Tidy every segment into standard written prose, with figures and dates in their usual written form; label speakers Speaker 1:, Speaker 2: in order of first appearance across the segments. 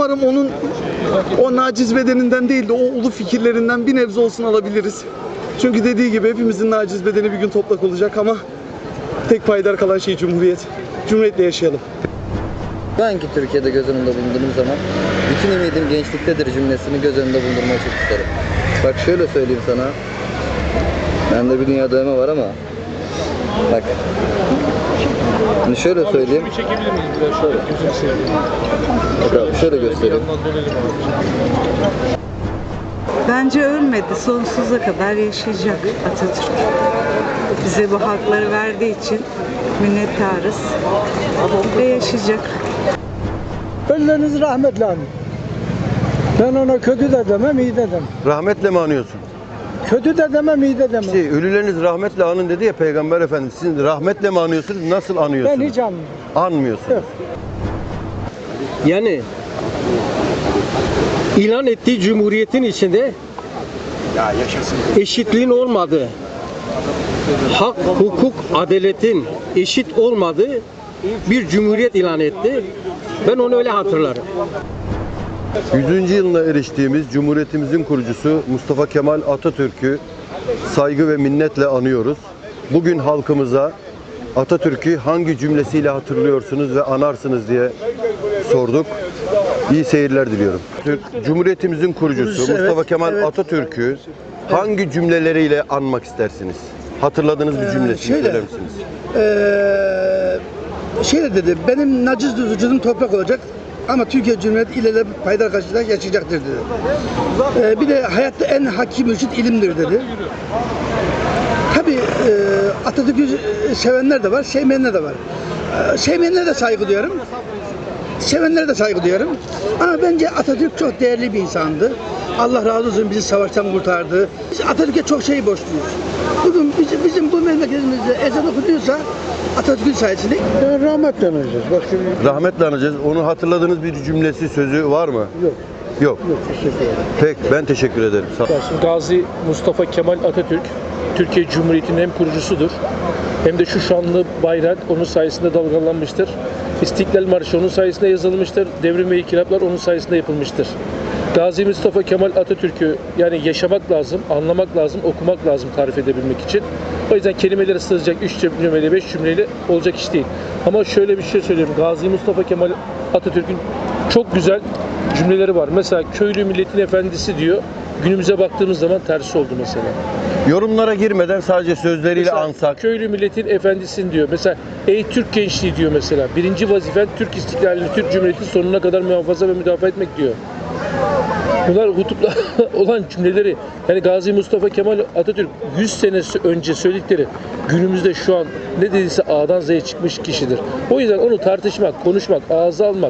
Speaker 1: Umarım onun o naciz bedeninden değil de o ulu fikirlerinden bir nebze olsun alabiliriz. Çünkü dediği gibi hepimizin naciz bedeni bir gün toplak olacak ama tek payidar kalan şey Cumhuriyet. Cumhuriyetle yaşayalım.
Speaker 2: Şu anki Türkiye'de göz önünde bulundurduğum zaman bütün ümidim gençliktedir cümlesini göz önünde bulundurmayı çok isterim. Bak şöyle söyleyeyim sana. Bende bir dünya dövme var ama bak. Şimdi şöyle söyleyeyim.
Speaker 3: Çekebilir miyiz biraz şöyle? Gözünü seveyim.
Speaker 2: Şöyle göstereyim.
Speaker 4: Bence ölmedi. Sonsuza kadar yaşayacak Atatürk. Bize bu hakları verdiği için minnettarız. Ve yaşayacak.
Speaker 5: Ölülerinizi rahmetle anın. Ben ona kötü de demem, iyi de demem.
Speaker 6: Rahmetle mi anıyorsun?
Speaker 5: Kötü de demem, iyi de demem.
Speaker 6: İşte ölüleriniz rahmetle anın dedi ya Peygamber Efendimiz. Siz rahmetle mi anıyorsunuz? Nasıl anıyorsunuz?
Speaker 5: Ben hiç anlamıyorum.
Speaker 6: Anmıyorsunuz.
Speaker 5: Yok.
Speaker 7: Yani ilan ettiği cumhuriyetin içinde eşitliğin olmadığı, hak, hukuk, adaletin eşit olmadığı bir cumhuriyet ilan etti. Ben onu öyle hatırlarım.
Speaker 6: 100. yılına eriştiğimiz Cumhuriyetimizin kurucusu Mustafa Kemal Atatürk'ü saygı ve minnetle anıyoruz. Bugün halkımıza Atatürk'ü hangi cümlesiyle hatırlıyorsunuz ve anarsınız diye sorduk. İyi seyirler diliyorum. Cumhuriyetimizin kurucusu Mustafa Kemal Atatürk'ü hangi cümleleriyle anmak istersiniz? Hatırladığınız bir cümlesini söyler misiniz?
Speaker 8: Şöyle dedi, benim naciz vücudum toprak olacak ama Türkiye Cumhuriyeti ile payidar karşılıklı yaşayacaktır dedi. Bir de hayatta en hakim vücut ilimdir dedi. Tabii Atatürk'ü sevenler de var, sevmeyenler de var. Sevmeyenlere de saygı duyuyorum. Sevenlere de saygı duyuyorum. Ama bence Atatürk çok değerli bir insandı. Allah razı olsun bizi savaştan kurtardı. Biz Atatürk'e çok şey borçluyuz. Bugün bizim bu memleketimizde ezan okunuyorsa Atatürk'ün sayesinde.
Speaker 5: Rahmetle anacağız. Bak şimdi.
Speaker 6: Rahmetle anacağız. Onu hatırladığınız bir cümlesi, sözü var mı?
Speaker 5: Yok.
Speaker 6: Yok.
Speaker 5: Yok, teşekkür ederim.
Speaker 6: Peki, ben teşekkür ederim.
Speaker 3: Şimdi Gazi Mustafa Kemal Atatürk, Türkiye Cumhuriyeti'nin hem kurucusudur hem de şu şanlı bayrak onun sayesinde dalgalanmıştır. İstiklal Marşı onun sayesinde yazılmıştır. Devrim ve inkılaplar onun sayesinde yapılmıştır. Gazi Mustafa Kemal Atatürk'ü yani yaşamak lazım, anlamak lazım, okumak lazım tarif edebilmek için. O yüzden kelimelere sığacak 3 cümleyle 5 cümleyle olacak iş değil. Ama şöyle bir şey söyleyeyim. Gazi Mustafa Kemal Atatürk'ün çok güzel cümleleri var. Mesela köylü milletin efendisi diyor. Günümüze baktığımız zaman tersi oldu mesela.
Speaker 6: Yorumlara girmeden sadece sözleriyle
Speaker 3: Mesela
Speaker 6: ansak.
Speaker 3: köylü milletin efendisin diyor. Mesela ey Türk gençliği diyor mesela. Birinci vazifen Türk istiklalini, Türk Cumhuriyeti sonuna kadar muhafaza ve müdafaa etmek diyor. Bunlar hutupla olan cümleleri. Yani Gazi Mustafa Kemal Atatürk 100 sene önce söyledikleri günümüzde şu an ne dediyse A'dan Z'ye çıkmış kişidir. O yüzden onu tartışmak, konuşmak, ağza almak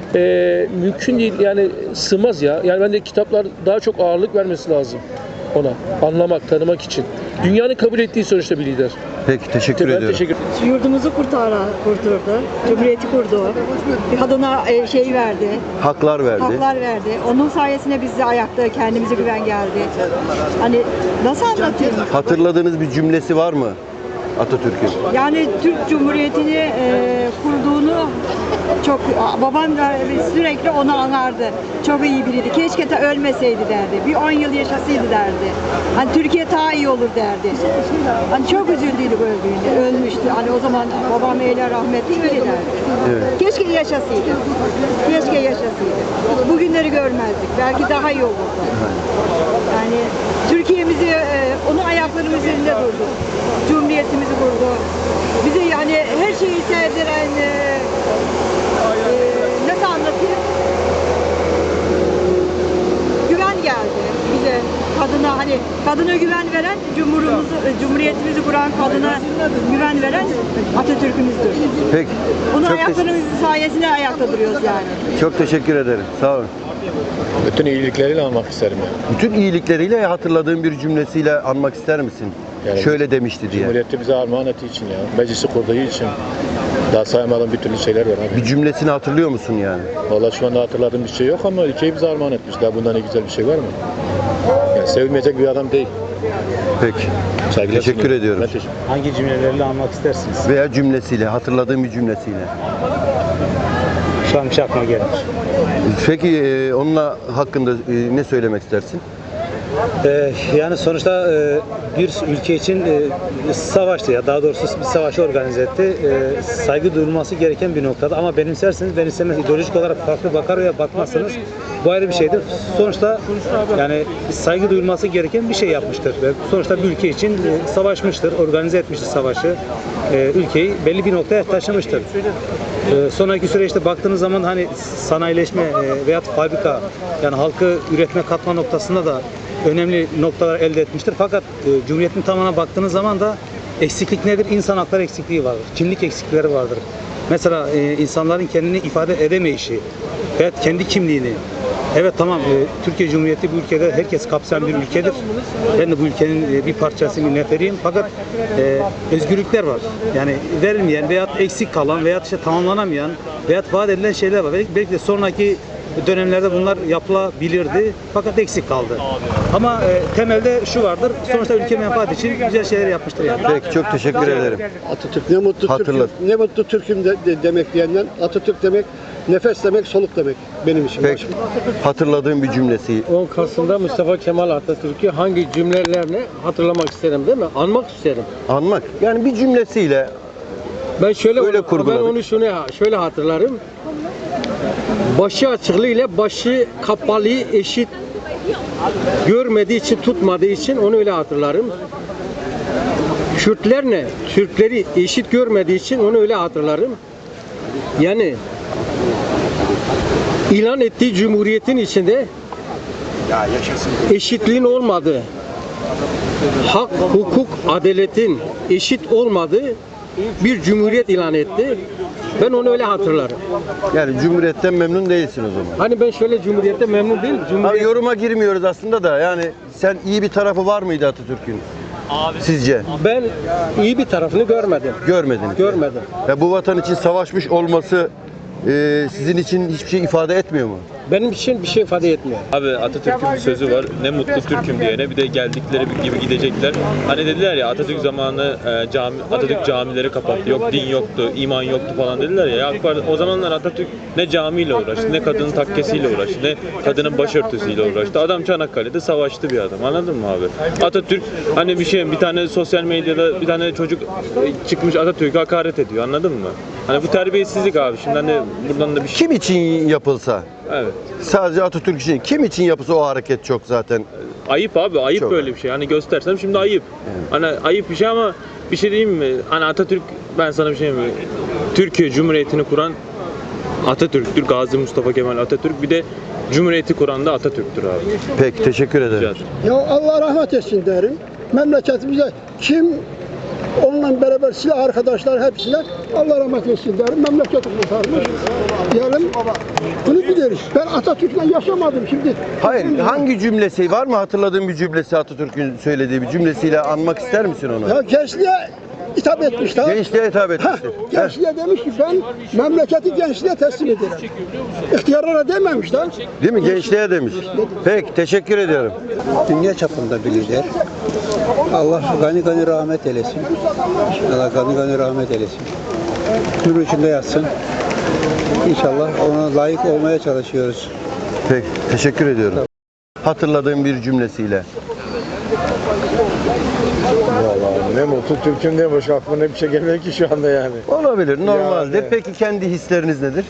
Speaker 3: mümkün değil. Yani sığmaz ya. Yani bence kitaplar daha çok ağırlık vermesi lazım ona. Anlamak, tanımak için. Dünyanın kabul ettiği sonuçta bir lider.
Speaker 6: Peki, teşekkür
Speaker 3: Ben
Speaker 6: ediyorum.
Speaker 3: teşekkür
Speaker 9: Yurdumuzu kurtardı. Cumhuriyeti kurdu. Bir kadına şey verdi.
Speaker 6: Haklar verdi.
Speaker 9: Haklar verdi. Onun sayesinde biz de ayakta kendimize güven geldi. Hani nasıl anlatayım?
Speaker 6: Hatırladığınız bir cümlesi var mı Atatürk'ün?
Speaker 9: Yani Türk Cumhuriyeti'ni kurduğunu çok babam da sürekli onu anardı. Çok iyi biriydi. Keşke de ölmeseydi derdi. Bir 10 yıl yaşasaydı derdi. Hani Türkiye daha iyi olur derdi. Hani çok üzüldüydük öldüğünde. Ölmüştü. Hani o zaman babam eyle rahmetli öyle derdi.
Speaker 6: Evet.
Speaker 9: Keşke yaşasaydı. Keşke yaşasaydı. Bugünleri görmezdik. Belki daha iyi olurdu. Yani Türkiye'mizi onun ayaklarının üzerinde durdu. Cumhuriyetimizi kurdu. Bize yani her şeyi sevdiren nasıl anlatayım? Güven geldi bize. Kadına hani kadına güven veren Cumhuriyetimizi kuran kadına güven veren Atatürk'ümüzdür.
Speaker 6: Peki.
Speaker 9: Onun
Speaker 6: Çok
Speaker 9: ayaklarımız sayesinde ayakta duruyoruz yani.
Speaker 6: Çok teşekkür ederim. Sağ olun.
Speaker 3: Bütün iyilikleriyle almak isterim ya.
Speaker 6: Bütün iyilikleriyle hatırladığın bir cümlesiyle anmak ister misin?
Speaker 3: Yani
Speaker 6: Şöyle demişti diye.
Speaker 3: Cumhuriyeti bize armağan ettiği için ya. Meclisi kurduğu için. Daha saymadığım bir türlü şeyler var abi.
Speaker 6: Bir cümlesini hatırlıyor musun yani?
Speaker 3: Vallahi şu anda hatırladığım bir şey yok ama ülkeyi bize armağan etmiş. Daha bundan ne güzel bir şey var mı? Yani sevilmeyecek bir adam değil.
Speaker 6: Peki.
Speaker 3: Saygılar
Speaker 6: Teşekkür
Speaker 3: sunuyorum.
Speaker 6: ediyorum.
Speaker 3: Ben teşekkür
Speaker 5: Hangi cümlelerle anmak istersiniz?
Speaker 6: Veya cümlesiyle, hatırladığın bir cümlesiyle.
Speaker 10: Şu an bir şey aklıma gelmiyor.
Speaker 6: Peki onunla hakkında ne söylemek istersin?
Speaker 10: Yani sonuçta bir ülke için savaştı ya, daha doğrusu bir savaşı organize etti. Saygı duyulması gereken bir noktada ama benimserseniz benimsemez, ideolojik olarak farklı bakar veya bakmazsanız bu ayrı bir şeydir. Sonuçta yani saygı duyulması gereken bir şey yapmıştır ve sonuçta bir ülke için savaşmıştır, organize etmiştir savaşı. Ülkeyi belli bir noktaya taşımıştır. Sonraki süreçte baktığınız zaman hani sanayileşme veya fabrika yani halkı üretme katma noktasında da önemli noktalar elde etmiştir. Fakat Cumhuriyet'in tamamına baktığınız zaman da eksiklik nedir? İnsan hakları eksikliği vardır. Kimlik eksiklikleri vardır. Mesela insanların kendini ifade edemeyişi veya kendi kimliğini. Evet tamam Türkiye Cumhuriyeti bu ülkede herkes kapsayan bir ülkedir. Ben de bu ülkenin bir parçası, bir neferiyim. Fakat özgürlükler var. Yani verilmeyen veya eksik kalan veya işte tamamlanamayan veya vaat edilen şeyler var. Belki de sonraki dönemlerde bunlar yapılabilirdi fakat eksik kaldı. Ama temelde şu vardır. Sonuçta ülke menfaati için güzel şeyler yapmıştır yani.
Speaker 6: Peki çok teşekkür ederim.
Speaker 5: Atatürk ne mutlu
Speaker 6: Hatırlat.
Speaker 5: Türk'üm, ne mutlu Türk'üm demek diyenden Atatürk demek nefes demek, soluk demek benim için.
Speaker 6: Peki hatırladığım bir cümlesi.
Speaker 7: 10 Kasım'da Mustafa Kemal Atatürk'ü hangi cümlelerle hatırlamak isterim değil mi? Anmak isterim.
Speaker 6: Anmak. Yani bir cümlesiyle
Speaker 7: Ben şöyle
Speaker 6: Öyle kurguladık.
Speaker 7: ben onu şöyle hatırlarım. Başı açıklığı ile başı kapalı eşit görmediği için, tutmadığı için onu öyle hatırlarım. Kürtlerle Türkleri eşit görmediği için onu öyle hatırlarım. Yani ilan ettiği cumhuriyetin içinde eşitliğin olmadığı, hak, hukuk, adaletin eşit olmadığı bir cumhuriyet ilan etti. Ben onu öyle hatırlarım.
Speaker 6: yani Cumhuriyet'ten memnun değilsin o zaman.
Speaker 7: Hani ben şöyle cumhuriyette memnun değilim.
Speaker 6: Abi yoruma girmiyoruz aslında da yani sen iyi bir tarafı var mıydı Atatürk'ün? Sizce?
Speaker 7: Ben iyi bir tarafını görmedim.
Speaker 6: Görmediniz.
Speaker 7: Görmedim.
Speaker 6: Ya bu vatan için savaşmış olması sizin için hiçbir şey ifade etmiyor mu?
Speaker 7: Benim için bir şey ifade etmiyor.
Speaker 11: Abi Atatürk'ün bir sözü var. Ne mutlu Türk'üm diyene bir de geldikleri gibi gidecekler. Hani dediler ya Atatürk zamanı Atatürk camileri kapattı. Yok din yoktu, iman yoktu falan dediler ya. O zamanlar Atatürk ne camiyle uğraştı, ne kadının takkesiyle uğraştı, ne kadının başörtüsüyle uğraştı. Adam Çanakkale'de savaştı bir adam. Anladın mı abi? Atatürk hani bir tane sosyal medyada bir tane çocuk çıkmış Atatürk'e hakaret ediyor. Anladın mı? Hani bu terbiyesizlik abi. Şimdi hani buradan da bir şey.
Speaker 6: Kim için yapılsa?
Speaker 11: Evet.
Speaker 6: Sadece Atatürk için. Kim için yapılsa o hareket çok zaten.
Speaker 11: Ayıp abi, ayıp
Speaker 6: Çok.
Speaker 11: böyle bir şey. Hani göstersem şimdi ayıp. Hani ayıp bir şey ama bir şey diyeyim mi? Hani Atatürk, ben sana bir şey diyeyim mi? Türkiye Cumhuriyeti'ni kuran Atatürk'tür. Gazi Mustafa Kemal Atatürk. Bir de Cumhuriyeti kuran da Atatürk'tür abi.
Speaker 6: Peki teşekkür ederim.
Speaker 11: Rica ederim.
Speaker 5: Ya Allah rahmet etsin derim. Memleketimize kim onunla beraber silah arkadaşlar hepsine Allah rahmet etsin derim. Memleketi kurtarmış. Diyelim bunu biliriz. Ben Atatürk'le yaşamadım şimdi.
Speaker 6: Hayır, hangi cümlesi var mı hatırladığın bir cümlesi Atatürk'ün söylediği bir cümlesiyle anmak ister misin onu?
Speaker 5: Ya gençliğe hitap etmişler.
Speaker 6: Gençliğe hitap etmiştir.
Speaker 5: Gençliğe demiş ki ben memleketi gençliğe teslim ederim. İhtiyarlara dememişler.
Speaker 6: Değil mi? Gençliğe demiş. Peki teşekkür ediyorum.
Speaker 12: Dünya çapında bir lider. Allah gani gani rahmet eylesin. Allah gani gani rahmet eylesin. Nur içinde yatsın. İnşallah ona layık olmaya çalışıyoruz.
Speaker 6: Peki teşekkür ediyorum. Hatırladığım bir cümlesiyle.
Speaker 13: Vallahi ne mutlu Türk'üm diye başka aklıma ne bir şey gelmiyor ki şu anda yani.
Speaker 6: Olabilir, normaldir.
Speaker 13: Yani.
Speaker 6: Peki kendi hisleriniz nedir?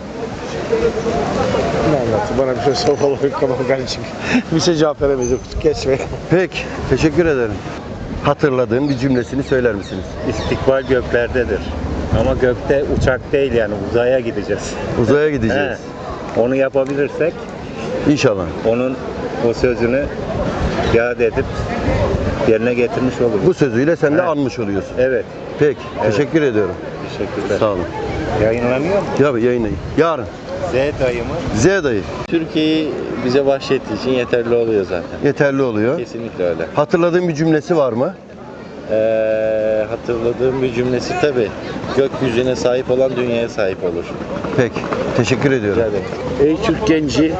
Speaker 13: Ne anlattı? Bana bir şey sor vallahi tamam kardeşim. Bir şey cevap veremeyiz. Geçme.
Speaker 6: Peki, teşekkür ederim. Hatırladığın bir cümlesini söyler misiniz?
Speaker 14: İstikbal göklerdedir. Ama gökte uçak değil yani uzaya gideceğiz.
Speaker 6: Uzaya gideceğiz.
Speaker 14: Onu yapabilirsek
Speaker 6: İnşallah.
Speaker 14: onun o sözünü iade edip yerine getirmiş oluruz.
Speaker 6: Bu sözüyle sen de anmış oluyorsun.
Speaker 14: Evet.
Speaker 6: Peki, teşekkür ediyorum.
Speaker 14: Teşekkürler.
Speaker 6: Sağ olun.
Speaker 14: Yayınlanıyor mu?
Speaker 6: Ya yayınlayın. Yarın.
Speaker 14: Z dayımı.
Speaker 6: Z dayı.
Speaker 14: Türkiye'yi bize bahşettiği için yeterli oluyor zaten.
Speaker 6: Yeterli oluyor.
Speaker 14: Kesinlikle öyle.
Speaker 6: Hatırladığın bir cümlesi var mı?
Speaker 14: Hatırladığım bir cümlesi tabii. Gökyüzüne sahip olan dünyaya sahip olur.
Speaker 6: Peki, teşekkür ediyorum.
Speaker 14: Ey Türk genci.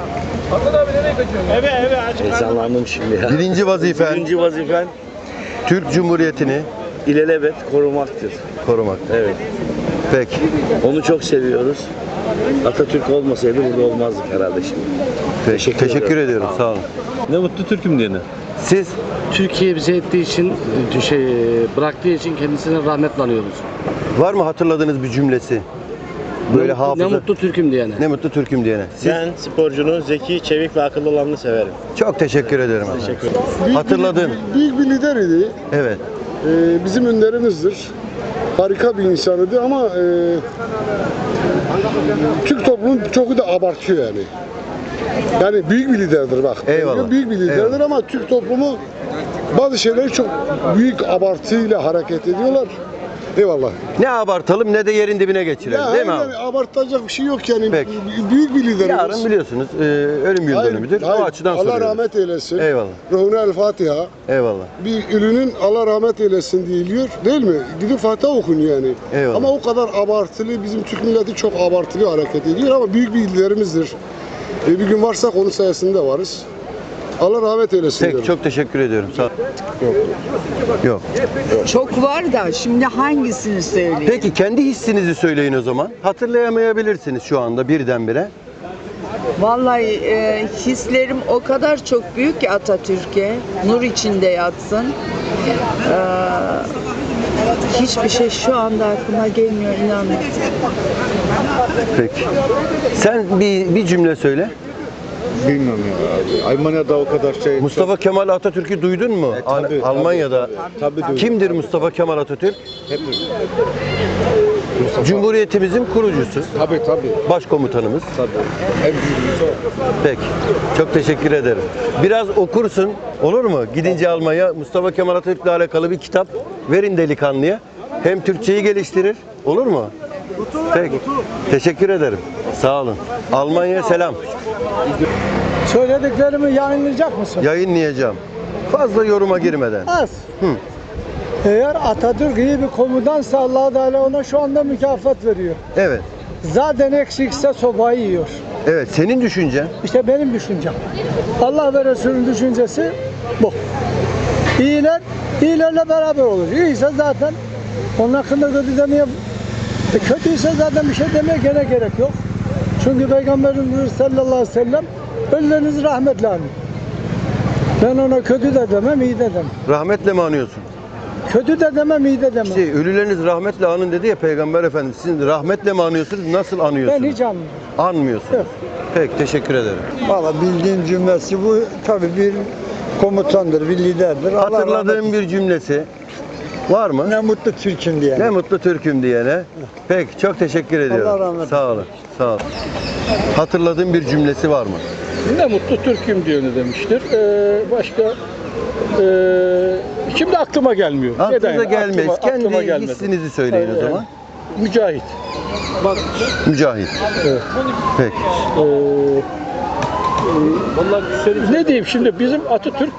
Speaker 14: Heyecanlandım şimdi ya.
Speaker 6: Birinci vazifen
Speaker 14: Birinci vazifen
Speaker 6: Türk Cumhuriyeti'ni
Speaker 14: ilelebet korumaktır.
Speaker 6: korumak.
Speaker 14: Evet.
Speaker 6: Peki,
Speaker 14: Onu çok seviyoruz.
Speaker 13: Atatürk olmasaydı burada olmazdık herhalde şimdi.
Speaker 6: Teşekkür ediyorum. Sağ olun.
Speaker 11: Ne mutlu Türk'üm diyene.
Speaker 6: Siz
Speaker 15: Türkiye bize ettiği için, bıraktığı için kendisine rahmetle anıyoruz.
Speaker 6: var mı hatırladığınız bir cümlesi? Böyle hafıza.
Speaker 15: Ne mutlu Türk'üm diyene.
Speaker 6: Ne mutlu Türk'üm diyene. Siz
Speaker 13: Ben sporcunun zeki, çevik ve akıllı olanını severim.
Speaker 6: çok teşekkür ederim.
Speaker 13: Teşekkür ederim.
Speaker 6: Hatırladığın.
Speaker 5: Büyük bir lider idi.
Speaker 6: Evet.
Speaker 5: Bizim önderimizdir. Harika bir insanıydı ama Türk toplumu çok da abartıyor yani. Yani büyük bir liderdir bak.
Speaker 6: Eyvallah.
Speaker 5: Büyük bir liderdir
Speaker 6: Eyvallah.
Speaker 5: ama Türk toplumu bazı şeyleri çok büyük abartıyla hareket ediyorlar. Eyvallah.
Speaker 6: Ne abartalım ne de yerin dibine geçirelim.
Speaker 5: Ya
Speaker 6: Değil mi abi?
Speaker 5: yani abartacak bir şey yok yani.
Speaker 6: Peki.
Speaker 5: Büyük bir liderimiz.
Speaker 6: Yarın biliyorsunuz ölüm yıl dönümüdür. O açıdan
Speaker 5: Allah
Speaker 6: soruyorum.
Speaker 5: rahmet eylesin.
Speaker 6: Eyvallah.
Speaker 5: Ruhuna el Fatiha.
Speaker 6: Eyvallah.
Speaker 5: Bir ürünün Allah rahmet eylesin deyiliyor değil mi? Gidip Fatiha okun yani.
Speaker 6: Eyvallah.
Speaker 5: Ama o kadar abartılı, bizim Türk milleti çok abartılı hareket ediyor ama büyük bir liderimizdir. Bir gün varsak onun sayesinde varız. Allah rahmet eylesin.
Speaker 6: Peki
Speaker 5: diyorum.
Speaker 6: çok teşekkür ediyorum. Sağ Yok.
Speaker 4: Çok var da şimdi hangisini söyleyeyim?
Speaker 6: Peki kendi hissinizi söyleyin o zaman. Hatırlayamayabilirsiniz şu anda birdenbire.
Speaker 4: Vallahi hislerim o kadar çok büyük ki Atatürk'e. Nur içinde yatsın. Hiçbir şey şu anda aklıma gelmiyor, inanın.
Speaker 6: Peki. Sen bir cümle söyle.
Speaker 13: Bilmiyorum ya. Almanya'da o kadar şey...
Speaker 6: Mustafa Kemal Atatürk'ü duydun mu?
Speaker 13: Tabii,
Speaker 6: Almanya'da.
Speaker 13: Tabii duydum.
Speaker 6: Kimdir Mustafa Kemal Atatürk?
Speaker 13: Hep
Speaker 6: Cumhuriyetimizin kurucusu.
Speaker 13: Tabii.
Speaker 6: Başkomutanımız.
Speaker 13: Tabii. En büyüğümüz o.
Speaker 6: Peki. Çok teşekkür ederim. Biraz okursun. Olur mu? Gidince Almanya Mustafa Kemal Atatürk'le alakalı bir kitap verin delikanlıya. Hem Türkçeyi geliştirir. Olur mu? Peki. Teşekkür ederim. Sağ olun. Almanya'ya selam.
Speaker 5: Söylediklerimi yayınlayacak mısın?
Speaker 6: Yayınlayacağım. Fazla yoruma girmeden.
Speaker 5: Az.
Speaker 6: Hı.
Speaker 5: Eğer Atatürk iyi bir komutansa Allah Teala ona şu anda mükafat veriyor.
Speaker 6: Evet.
Speaker 5: Zaten eksikse sobayı yiyor.
Speaker 6: Evet. Senin düşüncen?
Speaker 5: İşte benim düşüncem. Allah ve Resulü'nün düşüncesi bu. İyilerle beraber olur. İyiyse zaten onun hakkında kötü demeye, kötüyse zaten bir şey demeye gene gerek yok. Çünkü Peygamberimiz sallallahu aleyhi ve sellem ölülerinizi rahmetle anın. Ben ona kötü de demem, iyi de demem.
Speaker 6: Rahmetle mi anıyorsun?
Speaker 5: Kötü de demem, iyi de demem.
Speaker 6: İşte ölüleriniz rahmetle anın dedi ya Peygamber Efendimiz. Siz rahmetle mi anıyorsunuz? Nasıl anıyorsunuz?
Speaker 5: Ben hiç anlamıyorum.
Speaker 6: Anmıyorsunuz.
Speaker 5: Yok.
Speaker 6: Peki teşekkür ederim.
Speaker 12: Valla bildiğim cümlesi bu. Tabii bir komutandır, bir liderdir. Allah
Speaker 6: Hatırladığım
Speaker 12: rahmet-
Speaker 6: bir cümlesi var mı?
Speaker 12: Ne mutlu Türk'üm diye.
Speaker 6: Ne mutlu Türk'üm diyene. Peki çok teşekkür ediyorum.
Speaker 12: Allah rahmet eylesin.
Speaker 6: Sağ olun. Sağ olun. Hatırladığım bir cümlesi var mı?
Speaker 3: Ne mutlu Türk'üm diyeni demiştir. Başka şimdi aklıma gelmiyor.
Speaker 6: Aklınıza gelmez.
Speaker 3: Aklıma
Speaker 6: Kendi
Speaker 3: gelmedi.
Speaker 6: hissinizi söyleyin o zaman.
Speaker 3: Mücahit.
Speaker 6: Mücahit.
Speaker 3: Evet.
Speaker 6: Peki.
Speaker 3: Ne diyeyim şimdi bizim Atatürk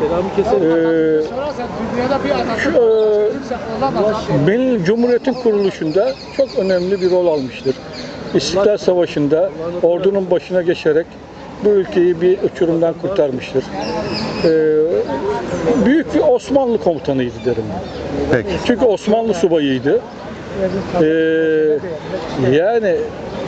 Speaker 3: benim Cumhuriyet'in kuruluşunda çok önemli bir rol almıştır. İstiklal Savaşı'nda ordunun başına geçerek bu ülkeyi bir uçurumdan kurtarmıştır. Büyük bir Osmanlı komutanıydı derim.
Speaker 6: Peki.
Speaker 3: Çünkü Osmanlı subayıydı. Yani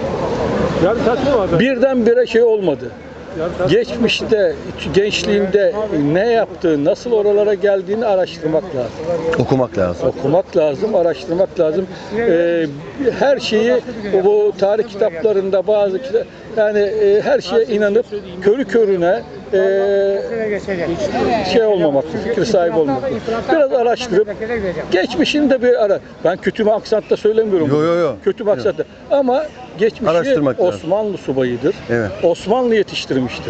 Speaker 3: birdenbire şey olmadı. Geçmişte, gençliğinde ne yaptığı, nasıl oralara geldiğini araştırmak lazım.
Speaker 6: Okumak lazım.
Speaker 3: Okumak lazım, araştırmak lazım. Her şeyi bu tarih kitaplarında bazı yani her şeye inanıp körü körüne şey olmamak, fikir sahibi olmamak. Biraz araştırıp geçmişini de bir ara. Ben kötü bir aksantta söylemiyorum.
Speaker 6: Yo.
Speaker 3: Kötü bir aksantta. Ama geçmişi
Speaker 6: Araştırmak lazım.
Speaker 3: Osmanlı subayıdır.
Speaker 6: Evet.
Speaker 3: Osmanlı yetiştirmiştir.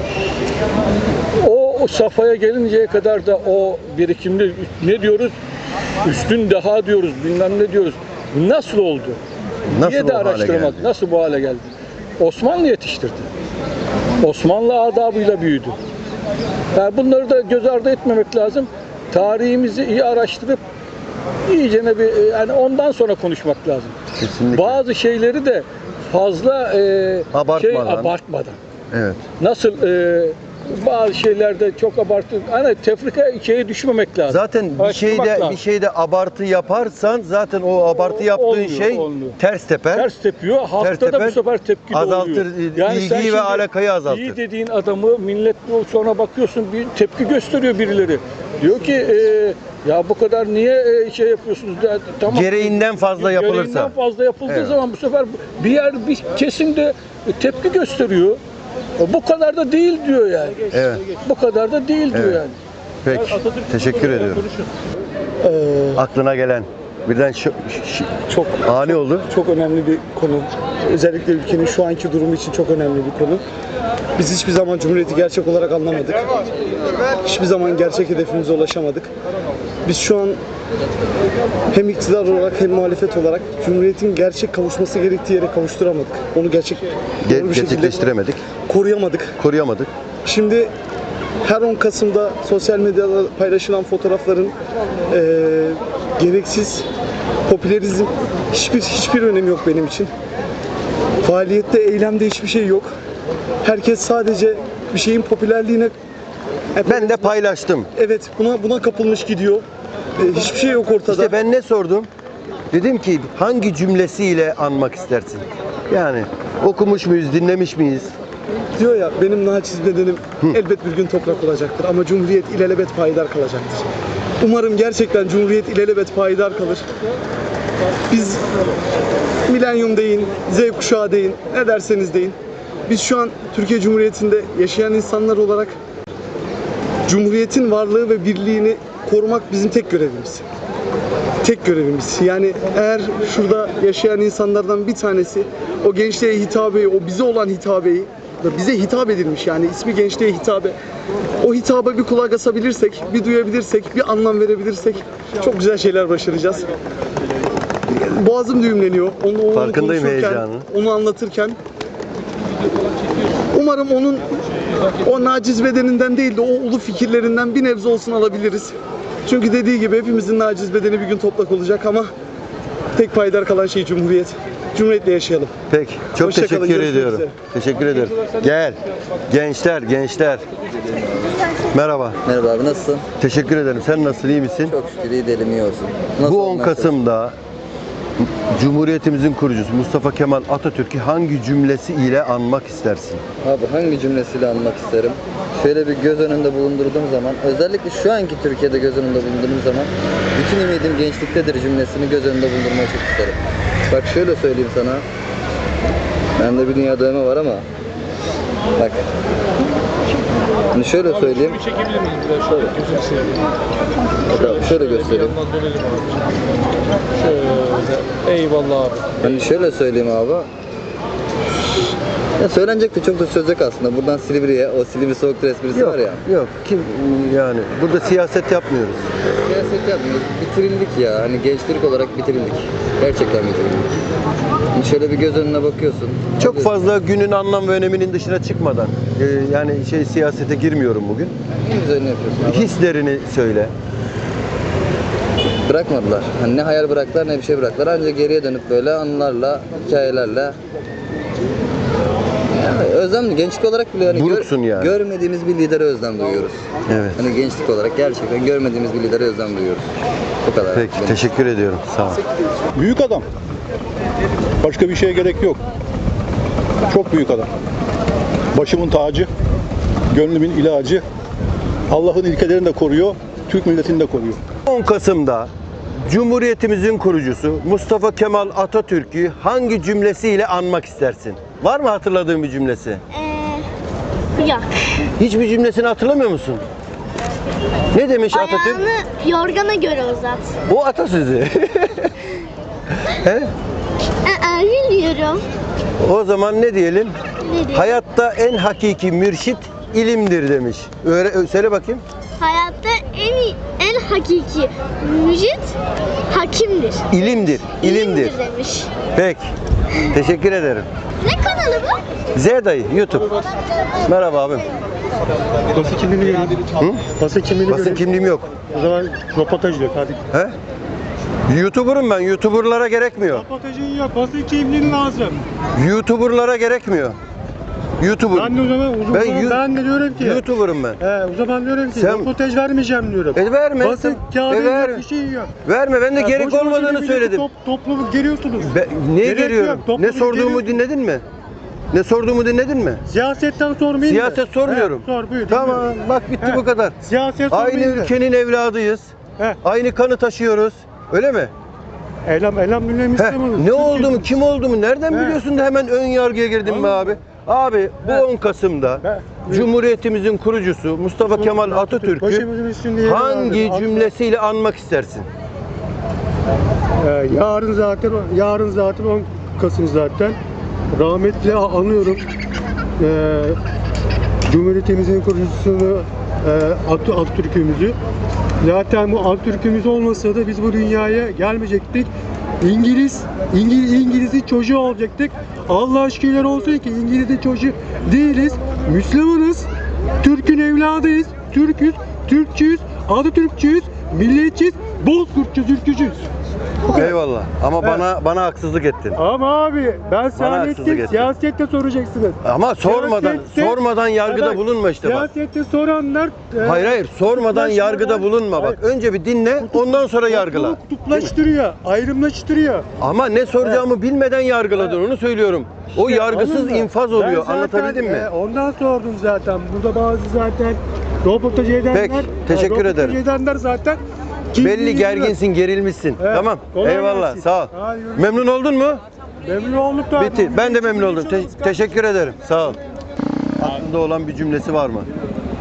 Speaker 3: O safhaya gelinceye kadar da o birikimli ne diyoruz? Üstün deha diyoruz, bilmem ne diyoruz. Nasıl oldu?
Speaker 6: Nasıl
Speaker 3: diye
Speaker 6: bu
Speaker 3: de
Speaker 6: hale
Speaker 3: araştırmak.
Speaker 6: geldi?
Speaker 3: Nasıl bu hale geldi? Osmanlı yetiştirdi. Osmanlı adabıyla büyüdü. Yani bunları da göz ardı etmemek lazım. Tarihimizi iyi araştırıp iyice yani ondan sonra konuşmak lazım.
Speaker 6: Kesinlikle.
Speaker 3: Bazı şeyleri de fazla
Speaker 6: Abartmadan.
Speaker 3: abartmadan.
Speaker 6: Evet.
Speaker 3: Nasıl bazı şeylerde çok abartı. Hani tefrika şeye düşmemek lazım.
Speaker 6: Zaten
Speaker 3: Araştırmak lazım.
Speaker 6: bir şeyde abartı yaparsan zaten o abartı yaptığın
Speaker 3: Olmuyor.
Speaker 6: ters teper.
Speaker 3: Ters tepiyor. Halkta
Speaker 6: Ters
Speaker 3: da bu
Speaker 6: teper,
Speaker 3: sefer tepki de
Speaker 6: azaltır,
Speaker 3: oluyor. sen
Speaker 6: ilgiyi
Speaker 3: şimdi
Speaker 6: ve alakayı azaltır.
Speaker 3: İyi dediğin adamı millet sonra bakıyorsun bir tepki gösteriyor birileri. Diyor ki ya bu kadar niye şey yapıyorsunuz? Ya, tamam.
Speaker 6: Gereğinden fazla yapılırsa.
Speaker 3: Gereğinden fazla yapıldığı
Speaker 6: Evet.
Speaker 3: zaman bu sefer bir kesimde tepki gösteriyor. Bu kadar da değil diyor yani.
Speaker 6: Evet.
Speaker 3: Bu kadar da değil diyor
Speaker 6: Evet.
Speaker 3: yani.
Speaker 6: Peki. Teşekkür ediyorum. Aklına gelen birden
Speaker 1: Çok
Speaker 6: ani oldu.
Speaker 1: çok önemli bir konu. Özellikle ülkenin şu anki durumu için çok önemli bir konu. Biz hiçbir zaman Cumhuriyeti gerçek olarak anlamadık. Hiçbir zaman gerçek hedefimize ulaşamadık. Biz şu an hem iktidar olarak hem muhalefet olarak Cumhuriyet'in gerçek kavuşması gerektiği yere kavuşturamadık. Onu doğru bir şekilde
Speaker 6: Gerçekleştiremedik.
Speaker 1: koruyamadık. Şimdi her 10 Kasım'da sosyal medyada paylaşılan fotoğrafların gereksiz popülerizm hiçbir önemi yok benim için. Faaliyette, eylemde hiçbir şey yok. Herkes sadece bir şeyin popülerliğine
Speaker 6: Ben de paylaştım.
Speaker 1: evet buna kapılmış gidiyor. Hiçbir şey yok ortada.
Speaker 6: İşte ben ne sordum? Dedim ki hangi cümlesiyle anmak istersin? Yani okumuş muyuz, dinlemiş miyiz?
Speaker 1: Diyor ya benim naçiz bedenim elbet bir gün toprak olacaktır ama Cumhuriyet ilelebet payidar kalacaktır. Umarım gerçekten Cumhuriyet ilelebet payidar kalır. Biz milenyum deyin, Z kuşağı deyin, ne derseniz deyin. Biz şu an Türkiye Cumhuriyeti'nde yaşayan insanlar olarak Cumhuriyet'in varlığı ve birliğini korumak bizim tek görevimiz. Tek görevimiz. Yani eğer şurada yaşayan insanlardan bir tanesi o gençliğe hitabeyi, o bize olan hitabeyi, bize hitap edilmiş yani ismi gençliğe hitabe. O hitaba bir kulak asabilirsek, bir duyabilirsek, bir anlam verebilirsek çok güzel şeyler başaracağız. Boğazım düğümleniyor. Onu
Speaker 6: Farkındayım
Speaker 1: konuşurken,
Speaker 6: heyecanı.
Speaker 1: onu anlatırken. Umarım onun o naciz bedeninden değil de o ulu fikirlerinden bir nebze olsun alabiliriz. Çünkü dediği gibi hepimizin naciz bedeni bir gün toprak olacak ama tek payidar kalan şey Cumhuriyet. Cumhuriyetle yaşayalım.
Speaker 6: Peki. Çok
Speaker 1: Hoşça kalın,
Speaker 6: teşekkür
Speaker 1: görüşmek
Speaker 6: ediyorum.
Speaker 1: üzere.
Speaker 6: Teşekkür ederim. Gel. Gençler. Merhaba.
Speaker 2: Merhaba abi, nasılsın?
Speaker 6: Teşekkür ederim. Sen nasılsın? İyi misin?
Speaker 2: Çok şükür iyi değilim, iyi olsun. Nasıl
Speaker 6: Bu 10
Speaker 2: olmaya
Speaker 6: Kasım'da Cumhuriyetimizin kurucusu Mustafa Kemal Atatürk'ü hangi cümlesi ile anmak istersin?
Speaker 2: Abi hangi cümlesiyle anmak isterim? Şöyle bir göz önünde bulundurduğum zaman, özellikle şu anki Türkiye'de göz önünde bulundurduğum zaman bütün ümidim gençliktedir cümlesini göz önünde bulundurmayı çok isterim. Bak şöyle söyleyeyim sana, bende bir dünya dövme var ama bak, hani şöyle söyleyeyim,
Speaker 3: Çekebilir miyim biraz şöyle? Gözünü seveyim.
Speaker 2: şöyle göstereyim.
Speaker 3: Şöyle. Eyvallah abi.
Speaker 2: Hani şöyle söyleyeyim abi. Ya söylenecek de çok da söz yok aslında. Buradan Silivri'ye, o Silivri Soğuktur esprisi var ya.
Speaker 6: Yok. Kim yani burada siyaset yapmıyoruz.
Speaker 2: Siyaset yapmıyoruz. Bitirildik ya. Hani gençlik olarak bitirildik. Gerçekten bitirildik. Hani şöyle bir göz önüne bakıyorsun.
Speaker 6: Çok fazla günün anlam ve öneminin dışına çıkmadan yani siyasete girmiyorum bugün.
Speaker 2: En güzelini yapıyorsun abi.
Speaker 6: Hislerini söyle.
Speaker 2: Bırakmadılar. Hani ne hayal bıraktılar ne bir şey bıraktılar. Ancak geriye dönüp böyle anılarla, hikayelerle özlemli. Gençlik olarak bile hani
Speaker 6: Buruksun yani.
Speaker 2: görmediğimiz bir lidere özlem duyuyoruz.
Speaker 6: Evet.
Speaker 2: Hani gençlik olarak gerçekten görmediğimiz bir lidere özlem duyuyoruz. Bu kadar.
Speaker 6: Peki. Teşekkür ediyorum. Sağ ol.
Speaker 16: Büyük adam. Başka bir şeye gerek yok. Çok büyük adam. Başımın tacı, gönlümün ilacı. Allah'ın ilkelerini de koruyor, Türk milletini de koruyor.
Speaker 6: 10 Kasım'da Cumhuriyetimizin kurucusu Mustafa Kemal Atatürk'ü hangi cümlesiyle anmak istersin? Var mı hatırladığın bir cümlesi?
Speaker 17: Yok.
Speaker 6: Hiçbir cümlesini hatırlamıyor musun? Ne demiş Atatürk?
Speaker 17: Ayağını yorgana göre uzat.
Speaker 6: O atasözü. He?
Speaker 17: Bilmiyorum.
Speaker 6: O zaman ne diyelim?
Speaker 17: Ne diyelim?
Speaker 6: Hayatta en hakiki mürşit ilimdir demiş. Söyle bakayım.
Speaker 17: Hayatta en hakiki müjit hakimdir.
Speaker 6: İlimdir. İlimdir.
Speaker 17: demiş.
Speaker 6: Peki. Teşekkür ederim.
Speaker 17: Ne kanalı bu?
Speaker 6: Z dayı YouTube. Merhaba abim.
Speaker 16: Basın kimliğini göreyim. Basın kimliğini
Speaker 6: Basın kimliğim yok.
Speaker 16: O zaman röportaj yok hadi.
Speaker 6: He? YouTuber'ım ben. YouTuber'lara gerekmiyor.
Speaker 16: Röportajın yok, basın kimliğin lazım.
Speaker 6: YouTuber'lara gerekmiyor. YouTuber.
Speaker 10: Ben de o zaman ben de diyorum ki.
Speaker 6: YouTuber'ım ben.
Speaker 10: O zaman diyorum ki
Speaker 6: Sen-
Speaker 10: röportaj vermeyeceğim diyorum.
Speaker 6: Verme.
Speaker 10: Basın kağıdı
Speaker 6: verme.
Speaker 10: bir şey yok.
Speaker 6: Verme. Ben de gerek
Speaker 10: boşu boşuna
Speaker 6: olmadığını
Speaker 10: milleti
Speaker 6: söyledim.
Speaker 10: Toplumu geriyorsunuz.
Speaker 6: Niye
Speaker 10: Gerek
Speaker 6: geliyorum?
Speaker 10: yok, toplumu
Speaker 6: Ne sorduğumu
Speaker 10: geriyorsunuz.
Speaker 6: dinledin mi? Ne sorduğumu dinledin mi?
Speaker 10: Siyasetten sormayın.
Speaker 6: Siyaset sormuyorum.
Speaker 10: Sor buyur.
Speaker 6: Tamam,
Speaker 10: dinliyorum.
Speaker 6: bak bitti bu kadar.
Speaker 10: Siyaset
Speaker 6: Aynı
Speaker 10: sormayın da.
Speaker 6: ülkenin evladıyız. Aynı kanı taşıyoruz. Öyle mi?
Speaker 10: Elhamdülillah Müslümanız.
Speaker 6: Ne oldu mu, kim oldu mu, nereden biliyorsun da hemen ön yargıya girdin be abi? Abi bu 10 Kasım'da Cumhuriyetimizin kurucusu Mustafa Kemal Atatürk'ü
Speaker 10: Başımızın üstünde yeri
Speaker 6: hangi
Speaker 10: vardır.
Speaker 6: cümlesiyle anmak istersin?
Speaker 10: Yarın zaten 10 Kasım zaten. Rahmetle anıyorum. Cumhuriyetimizin kurucusunu Atatürk'ümüzü. Zaten bu Atatürk'ümüz olmasa da biz bu dünyaya gelmeyecektik. İngiliz'in çocuğu olacaktık. Allah'a şükürler olsun ki İngiliz'in çocuğu değiliz. Müslümanız. Türk'ün evladıyız. Türk'üz, Türkçüyüz, Atatürkçüyüz, milliyetçiyiz, Bozkurtçuyuz, ülkücüyüz.
Speaker 6: Eyvallah. Ama bana haksızlık ettin.
Speaker 10: Ama abi ben
Speaker 6: haksızlık ettin.
Speaker 10: siyasette soracaksınız.
Speaker 6: Ama sormadan yargıda
Speaker 10: Evet,
Speaker 6: bulunma işte bak.
Speaker 10: Siyasette soranlar
Speaker 6: Hayır, sormadan yargıda bulunma bak. Önce bir dinle, ondan sonra yargıla.
Speaker 10: kutuplaştırıyor, ayrımlaştırıyor.
Speaker 6: Ama ne soracağımı bilmeden yargıladın, onu söylüyorum. O yargısız
Speaker 10: Anladın mı?
Speaker 6: infaz
Speaker 10: Ben
Speaker 6: oluyor.
Speaker 10: zaten,
Speaker 6: Anlatabildim mi?
Speaker 10: Ondan sordum zaten. Burada bazı zaten röportaj edenler.
Speaker 6: Peki, teşekkür ederim.
Speaker 10: Röportaj edenler zaten.
Speaker 6: Belli gerginsin, gerilmişsin.
Speaker 10: Evet,
Speaker 6: Tamam.
Speaker 10: kolay
Speaker 6: Eyvallah.
Speaker 10: gelsin.
Speaker 6: Sağ ol.
Speaker 10: Hadi yürü.
Speaker 6: Memnun oldun mu?
Speaker 10: Memnun olduk da.
Speaker 6: Bitti. Ben de memnun oldum. Teşekkür ederim. Sağ ol. Aklında olan bir cümlesi var mı?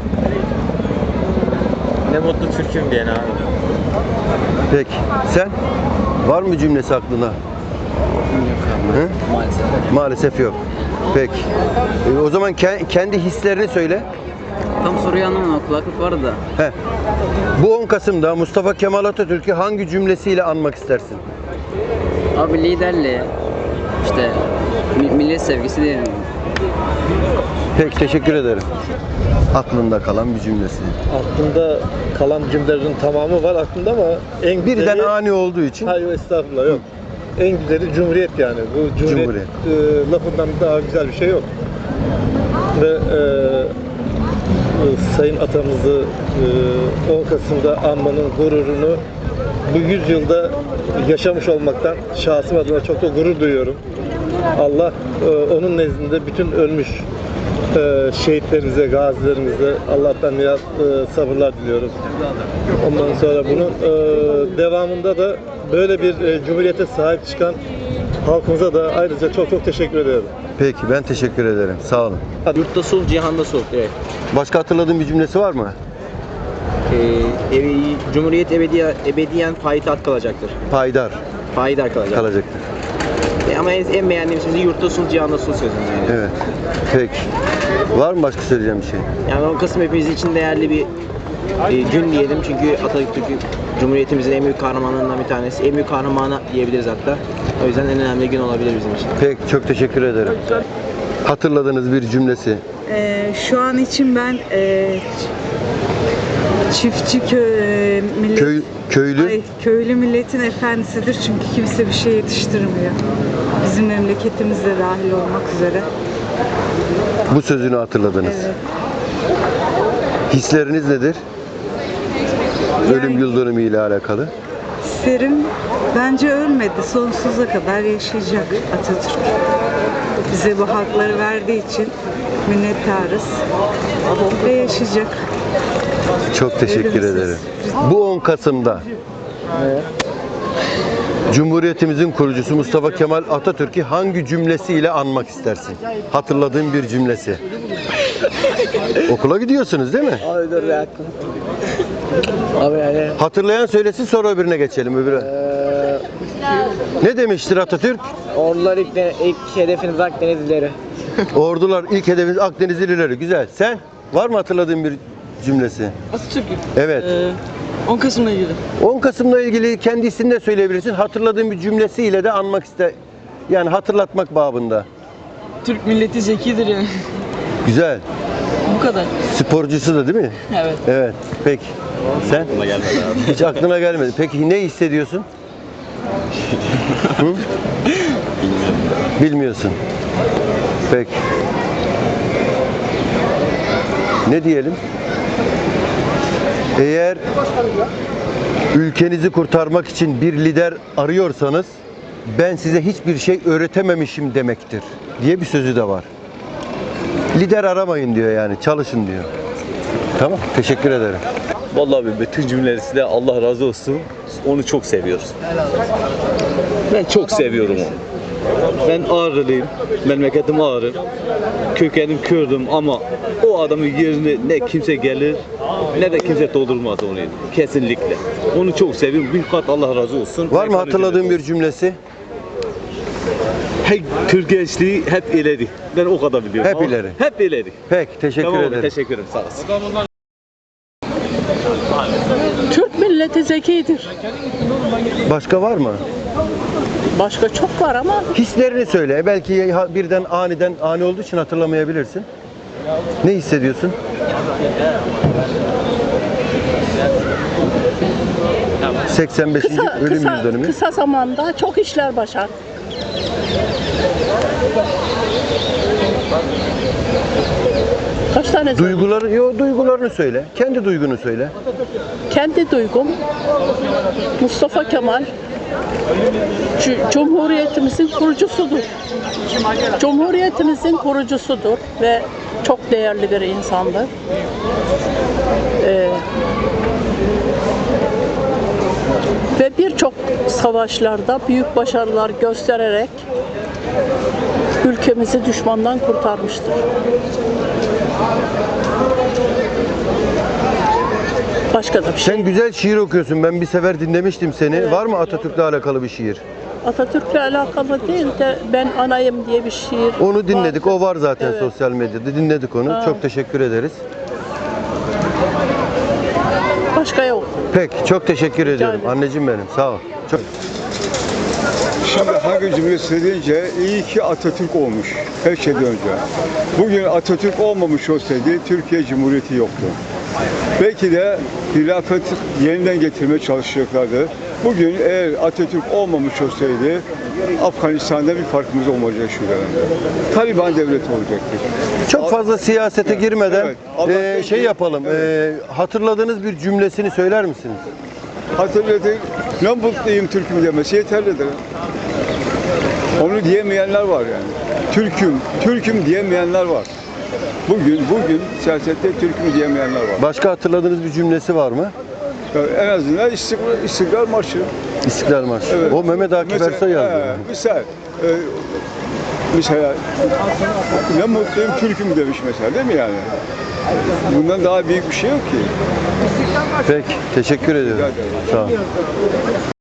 Speaker 11: Ne mutlu Türk'üm diyen abi.
Speaker 6: Peki. Sen? Var mı cümlesi aklına? Hı?
Speaker 2: Maalesef.
Speaker 6: Maalesef yok. Peki. O zaman kendi hislerini söyle.
Speaker 2: Tam soruyu anlamadım. Kulaklık vardı da.
Speaker 6: Heh. Bu 10 Kasım'da Mustafa Kemal Atatürk'ü hangi cümlesiyle anmak istersin?
Speaker 2: Abi liderliği, işte millet sevgisi diyelim.
Speaker 6: Peki, teşekkür ederim. Aklında kalan bir cümlesi.
Speaker 13: Aklımda kalan cümlelerin tamamı var aklımda ama en güzeli...
Speaker 6: Birden ani olduğu için.
Speaker 13: Hayır estağfurullah yok. En güzeli Cumhuriyet yani. Bu Cumhuriyet. Lafından daha güzel bir şey yok. Ve Sayın atamızı 10 Kasım'da anmanın gururunu bu 100 yılda yaşamış olmaktan şahsım adına çok da gurur duyuyorum. Allah onun nezdinde bütün ölmüş şehitlerimize, gazilerimize Allah'tan niyaz sabırlar diliyoruz. Ondan sonra bunun devamında da böyle bir cumhuriyete sahip çıkan halkımıza da ayrıca çok çok teşekkür ediyorum.
Speaker 6: Peki, ben teşekkür ederim. Sağ olun.
Speaker 2: Yurtta sulh, cihanda sulh. Evet.
Speaker 6: Başka hatırladığın bir cümlesi var mı?
Speaker 2: Cumhuriyet ebediyen payitaht kalacaktır.
Speaker 6: Payidar
Speaker 2: Payidar kalacaktır. Ama en beğendiğim sözü yurtta sulh, cihanda sulh sözüm yani.
Speaker 6: Evet. Peki. Var mı başka söyleyeceğim bir şey?
Speaker 2: Yani 10 Kasım hepimiz için değerli bir gün diyelim çünkü Atatürk Cumhuriyetimizin en büyük kahramanlarından bir tanesi. En büyük kahramanı diyebiliriz hatta. O yüzden en önemli gün olabilir bizim için.
Speaker 6: Peki, çok teşekkür ederim. Hatırladığınız bir cümlesi.
Speaker 18: Şu an için ben çiftçi köylü milletin efendisidir çünkü kimse bir şey yetiştirmiyor. Bizim memleketimiz de dahil olmak üzere.
Speaker 6: Bu sözünü hatırladınız.
Speaker 18: Evet.
Speaker 6: Hisleriniz nedir? Ölüm yıl dönümü ile alakalı.
Speaker 18: Hislerim bence ölmedi. Sonsuza kadar yaşayacak Atatürk. Bize bu hakları verdiği için minnettarız. Ve yaşayacak.
Speaker 6: Çok teşekkür ederim. Bu 10 Kasım'da Cumhuriyetimizin kurucusu Mustafa Kemal Atatürk'ü hangi cümlesiyle anmak istersin? Hatırladığın bir cümlesi. Okula gidiyorsunuz değil mi?
Speaker 2: Abi dur ya. Abi yani.
Speaker 6: Hatırlayan söylesin, sonra öbürüne geçelim. Ne demiştir Atatürk?
Speaker 2: Ordular ilk hedefiniz Akdenizlileri.
Speaker 6: Ordular ilk hedefiniz Akdenizlileri. Güzel. Sen var mı hatırladığın bir cümlesi?
Speaker 19: Atatürk.
Speaker 6: Evet.
Speaker 19: 10 Kasım'la ilgili.
Speaker 6: 10 Kasım'la ilgili kendi isimini de söyleyebilirsin. Hatırladığın bir cümlesiyle de anmak yani hatırlatmak babında.
Speaker 19: Türk milleti zekidir yani.
Speaker 6: Güzel.
Speaker 19: Bu kadar.
Speaker 6: Sporcusu da değil mi?
Speaker 19: Evet.
Speaker 6: Evet. Peki. Sen?
Speaker 11: Aklıma gelmedi abi.
Speaker 6: Hiç aklına gelmedi. Peki ne hissediyorsun? Hı? Bilmiyorsun. Peki. Ne diyelim? Eğer ülkenizi kurtarmak için bir lider arıyorsanız ben size hiçbir şey öğretememişim demektir diye bir sözü de var. Lider aramayın diyor, yani çalışın diyor. Tamam, teşekkür ederim.
Speaker 20: Vallahi bütün cümlesi de Allah razı olsun. Onu çok seviyoruz. Ben çok seviyorum onu. Ben Ağrılıyım. Memleketim Ağrı. Kökenim Kürdüm ama o adamın yerine ne kimse gelir ne de kimse doldurmaz onu. Kesinlikle. Onu çok seviyorum. Bin kat Allah razı olsun.
Speaker 6: Var mı hatırladığın bir cümlesi?
Speaker 20: Hey, Türk gençliği hep ileri. Ben o kadar biliyorum.
Speaker 6: Hep ileri.
Speaker 20: Hep ileri.
Speaker 6: Peki, teşekkür
Speaker 20: Tamam,
Speaker 6: ederim.
Speaker 20: teşekkür ederim. Sağ olasın.
Speaker 21: Türk milleti zekidir.
Speaker 6: Başka var mı?
Speaker 21: Başka çok var ama
Speaker 6: Hislerini söyle. Belki birden ani olduğu için hatırlamayabilirsin. Ne hissediyorsun? ...85. ölüm yıl dönümü.
Speaker 21: kısa zamanda çok işler başar. Kaç tane
Speaker 6: Duygularını söyle. Kendi duygunu söyle.
Speaker 21: Kendi duygum Mustafa Kemal Cumhuriyetimizin kurucusudur. Cumhuriyetimizin kurucusudur ve çok değerli bir insandır. Ve birçok savaşlarda büyük başarılar göstererek ülkemizi düşmandan kurtarmıştır. Başka da bir şey.
Speaker 6: Sen güzel şiir okuyorsun. Ben bir sefer dinlemiştim seni.
Speaker 21: Evet.
Speaker 6: Var mı Atatürk'le alakalı bir şiir?
Speaker 21: Atatürk'le alakalı değil de Ben Anayım diye bir şiir.
Speaker 6: Onu dinledik.
Speaker 21: vardır.
Speaker 6: O var zaten
Speaker 21: Evet.
Speaker 6: sosyal medyada. Dinledik onu.
Speaker 21: Ha.
Speaker 6: Çok teşekkür ederiz.
Speaker 21: Başka yok.
Speaker 6: Peki. Çok teşekkür ediyorum.
Speaker 21: ederim.
Speaker 6: Anneciğim benim. Sağ ol. Çok...
Speaker 22: Şimdi hangi cümle söyleyince iyi ki Atatürk olmuş her şeyden önce. Bugün Atatürk olmamış olsaydı Türkiye Cumhuriyeti yoktu. Belki de hilafet yeniden getirmeye çalışacaklardı. Bugün eğer Atatürk olmamış olsaydı Afganistan'da bir farkımız olmayacak şu dönemde. Taliban devleti olacaktır.
Speaker 6: Çok fazla siyasete girmeden
Speaker 22: Evet.
Speaker 6: şey yapalım. Hatırladığınız bir cümlesini söyler misiniz?
Speaker 22: Hatırladık. Ne mutluyum Türk'üm demesi yeterlidir. Onu diyemeyenler var yani. Türk'üm diyemeyenler var. Bugün siyasette Türk'üm diyemeyenler var.
Speaker 6: Başka hatırladığınız bir cümlesi var mı?
Speaker 22: En azından İstiklal Marşı.
Speaker 6: İstiklal Marşı.
Speaker 22: Evet.
Speaker 6: O Mehmet Akif Ersoy yazdı.
Speaker 22: Mesela ne mutluyum Türk'üm demiş mesela, değil mi yani? Bundan daha büyük bir şey yok ki.
Speaker 6: Peki, teşekkür ediyorum. Sağ ol.